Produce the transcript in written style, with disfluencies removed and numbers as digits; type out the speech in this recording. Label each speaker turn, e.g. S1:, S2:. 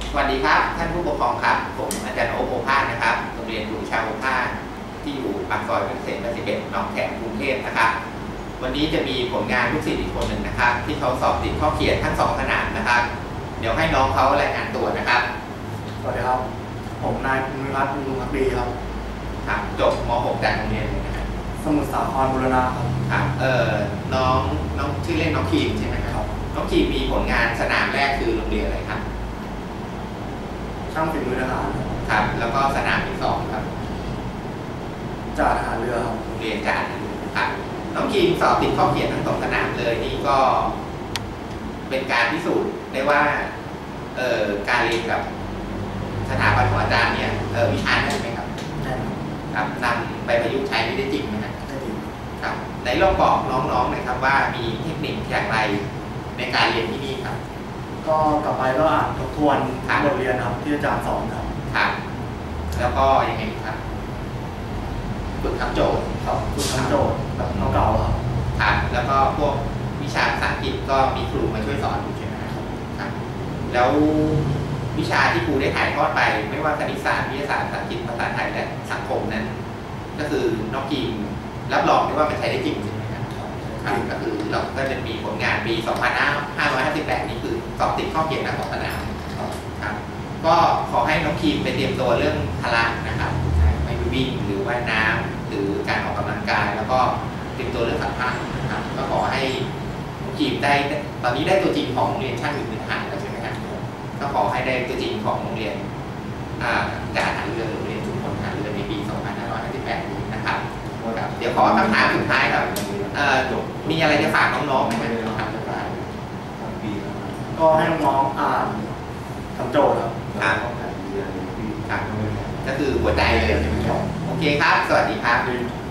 S1: สวัสดีครับท่านผู้ปกครองครับผมอาจารย์โอ๊ค โอภาสนะครับโรงเรียนอยู่ชาวโอภาสที่อยู่ปากซอยเพชรเกษม81หนองแขมกรุงเทพนะครับวันนี้จะมีผลงานลูกศิษย์อีกคนหนึ่งนะครับที่เขาสอบติดข้อเขียนทั้ง2 ขนาดนะครับเดี๋ยวให้น้องเขารายงานตัวนะครับ
S2: สวัสดีครับผมนายภูมิรัตน์บุญพักดีครับ
S1: จบม .6 จากโรงเรียนเลยนะครับ
S2: สมุทรสาครบูรณะ
S1: ครับน้องชื่อเล่นน้องคีมใช่ไหมครับน้องคีมมีผลงานสนามแรกคือโรงเรียนอะไรครับ
S2: ช่างฝีมือทหาร
S1: ครับแล้วก็สนามที่2ครับ
S2: จ่าทหารเรือครับ
S1: โรงเรียนจ่าครับน้องคีมสอบติดข้อเขียนทั้ง2 สนามเลยนี่ก็เป็นการพิสูจน์ได้ว่าการเรียนกับสถาบันของอาจารย์เนี่ยวิชาได้ไหมครับ
S2: ได้
S1: ครับนำไปประยุกต์ใช้ได้จริงไหมครับ
S2: ได้จริง
S1: ครับในลองบอกน้องๆหน่อยครับว่ามีเทคนิคอย่างไรในการเรียนที่นี่ครับ
S2: ก็กลับไปก็อ่านทบทวนบทเรียนครับที่อาจารย์สอนครับ
S1: ครับแล้วก็ยังไงครับฝึกทำโจทย์
S2: ครับฝึกทำโจทย์แบบเก่าๆครับ
S1: ครับแล้วก็พวกวิชาภาษาอังกฤษก็มีครูมาช่วยสอนอยู่ใช่ไหมครับแล้ววิชาที่ครูได้ถ่ายทอดไปไม่ว่าคณิตศาสตร์วิทยาศาสตร์ภาษาอังกฤษภาษาไทยและสังคมนั้นก็คือน้องกีมรับรองได้ว่ามันใช้ได้จริงใช่ไหมครับก็คือเราก็จะมีผลงานปี 2558 นี่คือสอบติดข้อเขียนทั้ง2 สนามครับก็ขอให้น้องกีมไปเตรียมตัวเรื่องพละนะครับไม่วิ่งหรือว่ายน้ำหรือการออกกำลังกายแล้วก็เตรียมตัวเรื่องสัมภาษณ์นะครับก็ขอให้น้องกีมได้ตอนนี้ได้ตัวจริงของโรงเรียนช่างฝีมือทหารแล้วใช่ไหมครับก็ขอให้ได้ตัวจริงของโรงเรียนจ่าทหารเรือโรงเรียนชุมพลทหารเรือในปี 2558 นี้นะครับเดี๋ยวขอคำถามสุดท้ายครับมีอะไรจะฝากน้องๆไหมครับ
S2: ก็ให้น้องๆอ่านทำโจทย์ครับ
S1: ก็คือหัวใจเลยโอเคครับสวัสดีครับ